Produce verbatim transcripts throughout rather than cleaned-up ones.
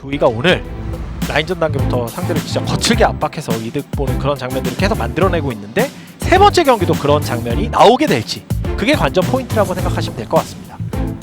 조이가 오늘 라인전 단계부터 상대를 진짜 거칠게 압박해서 이득 보는 그런 장면들을 계속 만들어내고 있는데 세 번째 경기도 그런 장면이 나오게 될지 그게 관전 포인트라고 생각하시면 될 것 같습니다.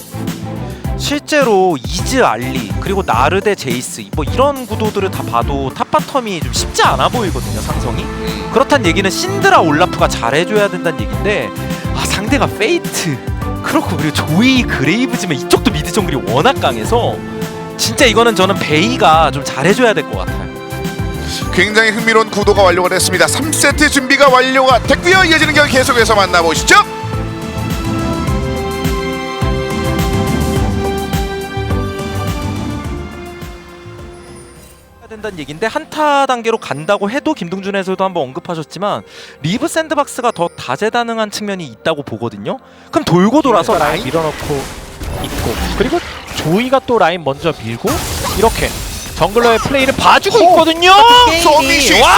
실제로 이즈 알리 그리고 나르 대 제이스 뭐 이런 구도들을 다 봐도 탑바텀이 좀 쉽지 않아 보이거든요, 상성이. 그렇단 얘기는 신드라 올라프가 잘해줘야 된다는 얘긴데 아 상대가 페이트 그렇고 그리고 조이 그레이브즈면 이쪽도 미드 정글이 워낙 강해서 진짜 이거는 저는 베이가 좀 잘해줘야 될 것 같아요. 굉장히 흥미로운 구도가 완료가 됐습니다. 삼 세트 준비가 완료가 됐고요. 이어지는 경기 계속해서 만나보시죠. 된다는 얘긴데 한타 단계로 간다고 해도 김동준 해설도 한번 언급하셨지만 리브 샌드박스가 더 다재다능한 측면이 있다고 보거든요. 그럼 돌고 돌아서 라인 라인 밀어넣고 있고 그리고 조이가 또 라인 먼저 밀고 이렇게 정글러의 플레이를 봐주고 오! 있거든요. 서미시 와!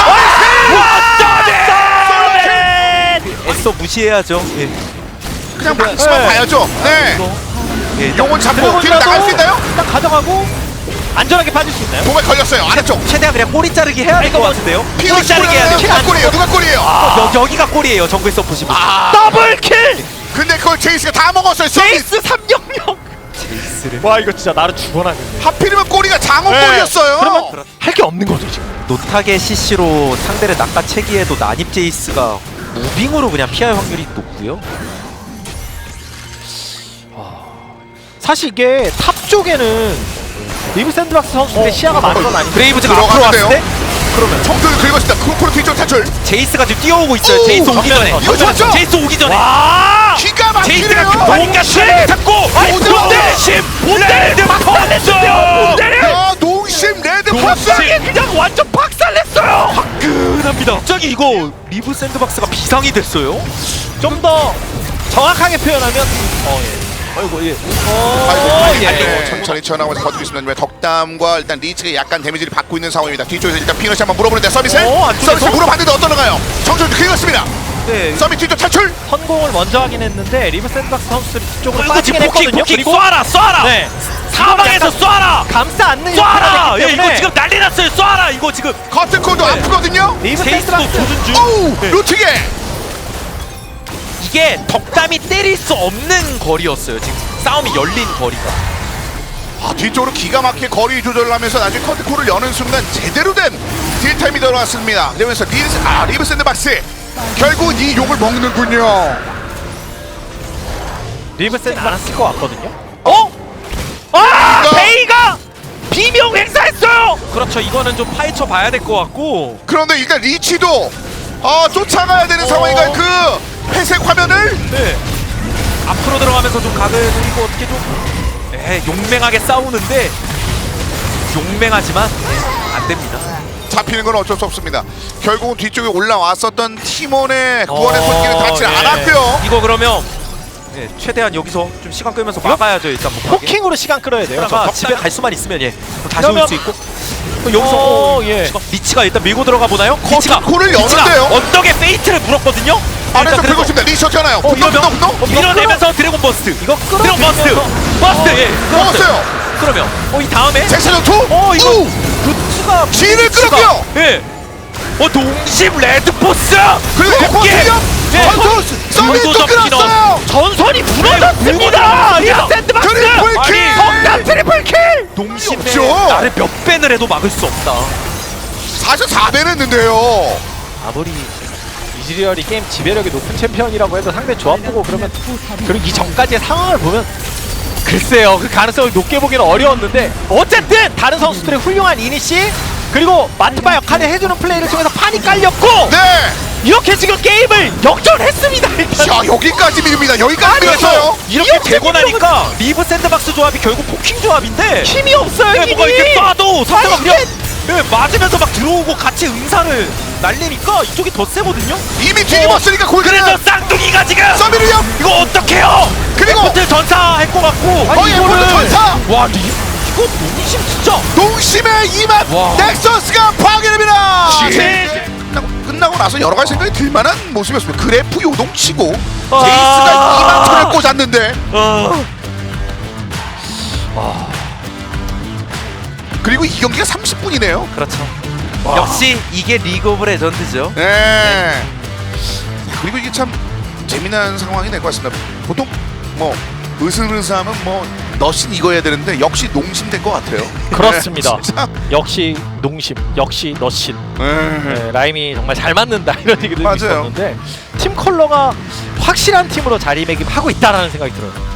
애써 무시해야죠. 예. 그냥 박스만 네. 봐야죠. 네. 예, 용은 잡고 뒤로 나갈 수 있나요? 딱 가져가고 안전하게 빠질 수 있나요? 도발 걸렸어요. 아래쪽. 최대한 그냥 꼬리 자르기 해야 될 것 같은데요. 피오 꼬리 자르기 해야 돼요. 누가 골이에요? 누가 골이에요? 어, 여, 여기가 꼬리예요. 정글 서포시. 아, 더블킬! 근데 그걸 제이스가 다 먹었어요. 제이스 삼영영! 제이스를. 와 이거 진짜 나를 죽어나겠네. 하필이면 꼬리가 장어 네. 골이었어요. 그러면 할 게 없는 거죠 지금. 노타게 씨씨로 상대를 낚아채기에도 난입 제이스가 무빙으로 그냥 피할 확률이 높고요. 사실 이게 탑 쪽에는 리브 샌드박스 선수들의 어, 시야가 많은 건 아닌데 브레이브즈가 앞으로 왔을 들어갔는데요? 때 그러면 정글을 긁었습니다. 크로코로 뒤쪽 탈출. 제이스가 지금 뛰어오고 있어요. 오! 제이스 오기 전에. 이거 좋았죠? 제이스 오기 전에. 와! 기가 제이스가 막히네요. 급하니까 슈를 잡고 농심! 못대를 못 때려! 야, 농심 레드 퍼스. 그냥 완전 박살냈어요! 화끈합니다. 갑자기 이거 리브 샌드박스가 비상이 됐어요. 좀 더 정확하게 표현하면 어 예. 아이고 예. 어, 아이고, 예. 아이고, 천천히 튀어나오면서 버티고 있습니다. 덕담과 일단 리치가 약간 데미지를 받고 있는 상황입니다. 뒤쪽에서 일단 피너시 한번 물어보는데 서비스. 어, 안쪽에서? 서비스 물어봤는데 어떠는가요? 정준 긁었습니다. 네. 서비스 뒤쪽 탈출. 성공을 먼저 하긴 했는데 리브 샌드박스 선수들이 뒤쪽으로 이거 빠지긴 지금 포킹 했거든요. 포킹 그리고 쏴라 쏴라. 네. 사방에서 약간 쏴라. 감싸 안는 쏴라. 역할을 예, 했기 이거 때문에 지금 난리 났어요. 쏴라. 이거 지금 커튼콜도 아프거든요. 리브 제이스도 샌드박스 조준 중. 오우, 네. 루트게. 이게 덕담이 때릴 수 없는 거리였어요. 지금 싸움이 열린 거리가. 아, 뒤쪽으로 기가 막히게 거리 조절을 하면서 나중에 커튼콜을 여는 순간 제대로 된 딜타임이 들어왔습니다. 그러면서 리브, 아, 리브 샌드박스 결국은 이 욕을 먹는군요. 리브 샌드박스 쓸것 같거든요. 어? 아! 이거- 베이가 비명 행사했어요. 그렇죠. 이거는 좀 파헤쳐 봐야 될 것 같고. 그런데 일단 리치도 어, 쫓아가야 되는 어. 상황인가요? 그 회색 화면을. 네. 앞으로 들어가면서 좀 각을 그리고 어떻게 좀 네, 용맹하게 싸우는데 용맹하지만 네, 안 됩니다. 잡히는 건 어쩔 수 없습니다. 결국은 뒤쪽에 올라왔었던 팀원의 구원의 손길은 닿지 예. 않았고요. 이거 그러면 네, 최대한 여기서 좀 시간 끌면서 막아야죠. 일단 못 가게. 포킹으로 시간 끌어야 돼요. 그러다가 저 집에 덕담- 갈 수만 있으면 예 다시 그러면- 올 수 있고 또 여기서 어, 어, 예. 리치가 일단 밀고 들어가 보나요? 리치가 커튼콜을 리치가 여는데요? 언덕에 페이트를 물었거든요. 안에서 일단 긁고 있습니다. 리치 어떻게 하나요? 어, 분노 이러면 분노 분노? 어, 밀어내면서 드래곤 버스트. 이거 드래곤 버스트. 끌어들이면서- 버스트. 어, 예. 먹었어요. 그러면 어 이 다음에 잭스전 투. 어 이거 우! 루트가 진을 끌었고요. 예. 어 동심 레드 포스. 그리고 대포 실력. 예. 전투 서밋 또 전투 끌었어요. 전선이 무너졌습니다. 리브 샌드박스 트리플 킬. 아니, 덕담 트리플 킬. 동심에 없죠. 나를 몇 배를 해도 막을 수 없다. 사십사 배 했는데요. 아무리 이즈리얼이 게임 지배력이 높은 챔피언이라고 해도 상대 조합 보고 그러면 그리고 이 전까지의 상황을 보면 글쎄요 그 가능성을 높게 보기는 어려웠는데 어쨌든 다른 선수들의 훌륭한 이니시 그리고 마트바 역할을 해주는 플레이를 통해서 판이 깔렸고 네. 이렇게 지금 게임을 역전했습니다. 일단. 자, 여기까지 밀립니다. 여기까지 밀었어요. 이렇게 이렇게 되고 밀리면- 나니까 리브 샌드박스 조합이 결국 포킹 조합인데 힘이 없어요. 네, 힘이. 뭔가 이렇게 쏴도 상대가 아니, 그냥 네, 맞으면서 막 들어오고 같이 응사를 날리니까 이쪽이 더 세거든요. 이미 뒤집었으니까 골드는 그래서 쌍둥이가 지금 서밋을요. 이거 어떡해요? 그리고 호텔 전사 할 것 같고 거의 에포드 전사. 와 리, 이거 농심 진짜 농심의 이맛 와. 넥서스가 파괴됩니다. 제- 끝나고, 끝나고 나서 여러 가지 생각이 들만한 모습이었습니다. 그래프 요동치고 아. 제이스가 이만 턴을 꽂았는데 어. 그리고 그리고 이 경기가 삼십 분이네요. 그렇죠. 와. 역시 이게 리그 오브 레전드죠. 네. 그리고 이게 참 재미난 상황이 될 것 같습니다. 보통 뭐 으슬으슬하면 뭐 너신 이거 해야 되는데 역시 농심 될 것 같아요. 그렇습니다. 네, 진짜. 역시 농심, 역시 너신. 네. 네, 라임이 정말 잘 맞는다 이런 얘기도 맞아요. 있었는데 팀 컬러가 확실한 팀으로 자리매김하고 있다라는 생각이 들어요.